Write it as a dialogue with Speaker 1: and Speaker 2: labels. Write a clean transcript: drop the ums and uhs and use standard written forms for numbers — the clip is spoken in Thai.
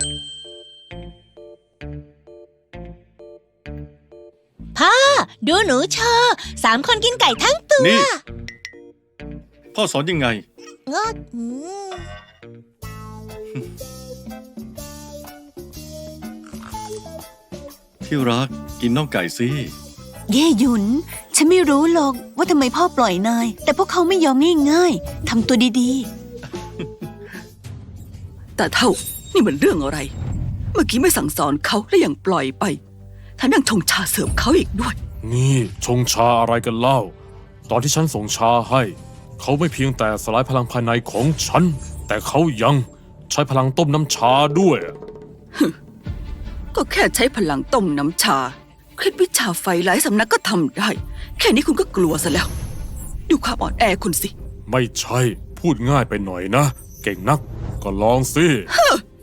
Speaker 1: พ่อดูหนูโชว์3 คนกินไก่ทั้งตัว
Speaker 2: นี่พ่อสอนยังไง
Speaker 1: งด
Speaker 2: ที่รักกินน่องไก่สิ
Speaker 3: เย่หยุนฉันไม่รู้หรอกว่าทำไมพ่อปล่อยนายแต่พวกเขาไม่ยอมง่ายๆทำตัวดี
Speaker 4: ๆแต่เท่านี่มันเรื่องอะไรเมื่อกี้ไม่สั่งสอนเขาและยังปล่อยไปท่านั่งชงชาเสิร์ฟเขาอีกด้วย
Speaker 5: นี่ชงชาอะไรกันเล่าตอนที่ฉันส่งชาให้เขาไม่เพียงแต่สลายพลังภายในของฉันแต่เขายังใช้พลังต้มน้ำชาด้วย
Speaker 4: ก็แค่ใช้พลังต้มน้ำชาเคล็ดวิชาไฟหลายสำนักก็ทำได้แค่นี้คุณก็กลัวซะแล้วดูความอ่อนแอคุณสิ
Speaker 5: ไม่ใช่พูดง่ายไปหน่อยนะเก่งนักก็ลองสิ